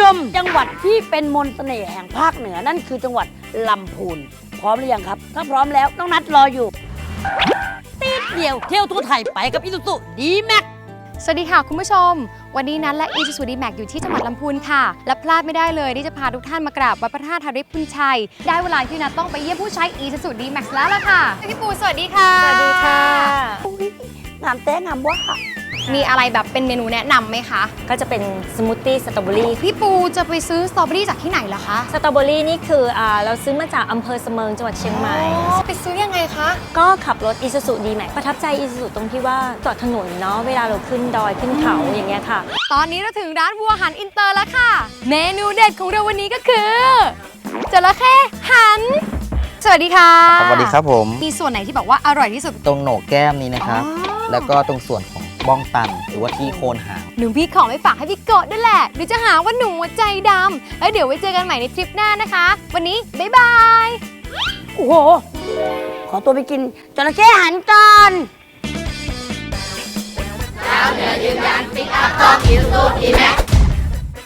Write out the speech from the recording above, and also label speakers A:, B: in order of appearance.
A: มจังหวัดที่เป็นมนต์เสน่ห์แห่งภาคเหนือนั่นคือจังหวัดลำพูนพร้อมหรือยังครับถ้าพร้อมแล้วน้องนัดรออยู่ตีดเดียวเที่ยวทั่วไทยไปกับอีซูซูดีแม็ก
B: สวัสดีค่ะคุณผู้ชมวันนี้นัทและอีซูซูดีแม็กอยู่ที่จังหวัดลำพูนค่ะและพลาดไม่ได้เลยที่จะพาทุกท่านมากราบวัดพระธาตุธาริพุนชัยได้เวลาที่นัทต้องไปเยี่ยมผู้ใช้อีซูซูดีแม็กแล้วล่ะค่ะพี่ปูสวัสดีค่ะสวัสดีค่ะ
A: งามแต้งามว่า
B: มีอะไรแบบเป็นเมนูแนะนำไหมคะ
C: ก็จะเป็นสมูทตี้สตรอเบอรี่
B: พี่ปูจะไปซื้อสตรอเบอรี่จากที่ไหนล่ะคะ
C: สตรอเบอรี่นี่คือเราซื้อมาจากอำเภอเสมิงจังหวัดเชียงใหม่
B: ไปซื้อยังไงคะ
C: ก็ขับรถอีซูซูดีแม็กประทับใจอีซูซูตรงที่ว่าจอดถนนเนาะเวลาเราขึ้นดอยขึ้นเขาอย่างเงี้ยค่ะ
B: ตอนนี้เราถึงร้านวัวหันอินเตอร์แล้วค่ะ เมนูเด็ดของเราวันนี้ก็คือจระเข้หันสวัสดีค่ะ
D: สวัสดีครับผม
B: มีส่วนไหนที่บอกว่าอร่อยที่สุด
D: ตรงโหนกแก้มนี้นะครับ
B: อ๋อ
D: แล้วก็ตรงส่วนของบ้องตันหรือว่าที่โคนหาง
B: หนูพี่ขอไม่ฝากให้พี่โกดด้วยแหละเดี๋ยวจะหาว่าหนูใจดำแล้วเดี๋ยวไว้เจอกันใหม่ในทริปหน้านะคะ วันนี้บ๊ายบาย
A: โอ้โหขอตัวไปกินจระเข้หันก่อน
E: แล้วเหนือยืนยันปิกอัพต้องอีซูซูดีแม็ก